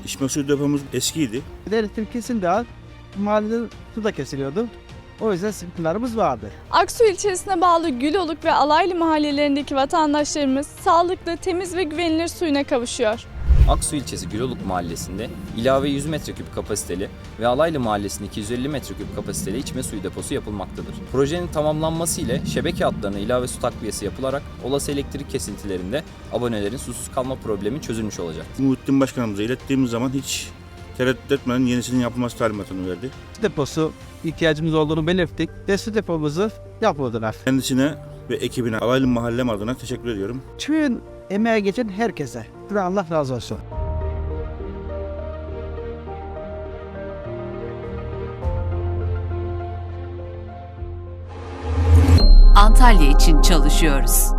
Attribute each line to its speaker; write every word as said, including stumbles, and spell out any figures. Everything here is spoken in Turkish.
Speaker 1: İçme suyu depomuz eskiydi.
Speaker 2: Elektrik kesildi az. Mahallede su da kesiliyordu. O yüzden sıkıntılarımız vardı.
Speaker 3: Aksu ilçesine bağlı Güloluk ve Alaylı mahallelerindeki vatandaşlarımız sağlıklı, temiz ve güvenilir suyuna kavuşuyor.
Speaker 4: Aksu ilçesi Güloluk mahallesinde ilave yüz metreküp kapasiteli ve Alaylı mahallesinde iki yüz elli metreküp kapasiteli içme suyu deposu yapılmaktadır. Projenin tamamlanması ile şebeke hatlarına ilave su takviyesi yapılarak olası elektrik kesintilerinde abonelerin susuz kalma problemi çözülmüş olacak.
Speaker 1: Muhittin Başkanımıza ilettiğimiz zaman hiç tereddüt etmeden yenisinin yapılması talimatını verdi.
Speaker 2: Su deposu ihtiyacımız olduğunu belirttik ve su depomuzu yapıldılar.
Speaker 1: Kendisine ve ekibine Alaylı Mahallem adına teşekkür ediyorum.
Speaker 2: Tüm emeğe geçen herkese Allah razı olsun.
Speaker 5: Antalya için çalışıyoruz.